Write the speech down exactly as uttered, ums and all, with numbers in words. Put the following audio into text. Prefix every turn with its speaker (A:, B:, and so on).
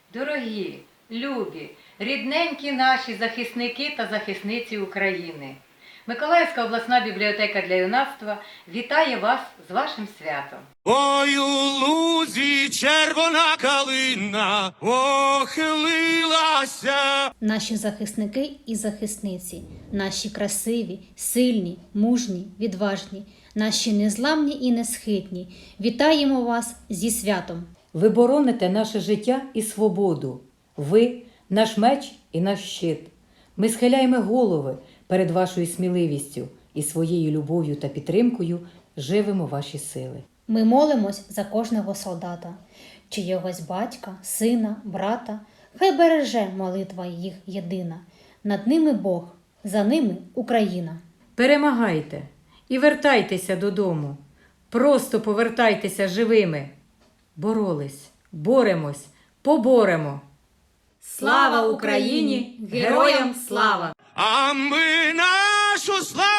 A: Дорогі, любі, рідненькі наші захисники та захисниці України. Миколаївська обласна бібліотека для юнацтва вітає вас з вашим святом.
B: Ой, у лузі червона калина похилилася.
C: Наші захисники і захисниці, наші красиві, сильні, мужні, відважні, наші незламні і несхитні. Вітаємо вас зі святом!
D: Ви бороните наше життя і свободу. Ви – наш меч і наш щит. Ми схиляємо голови перед вашою сміливістю і своєю любов'ю та підтримкою живимо ваші сили.
C: Ми молимось за кожного солдата, чиєгось батька, сина, брата. Хай береже молитва їх єдина. Над ними Бог, за ними Україна.
D: Перемагайте і вертайтеся додому. Просто повертайтеся живими. Боролись, боремось, поборемо. Слава Україні! Героям слава!
B: А ми нашу славу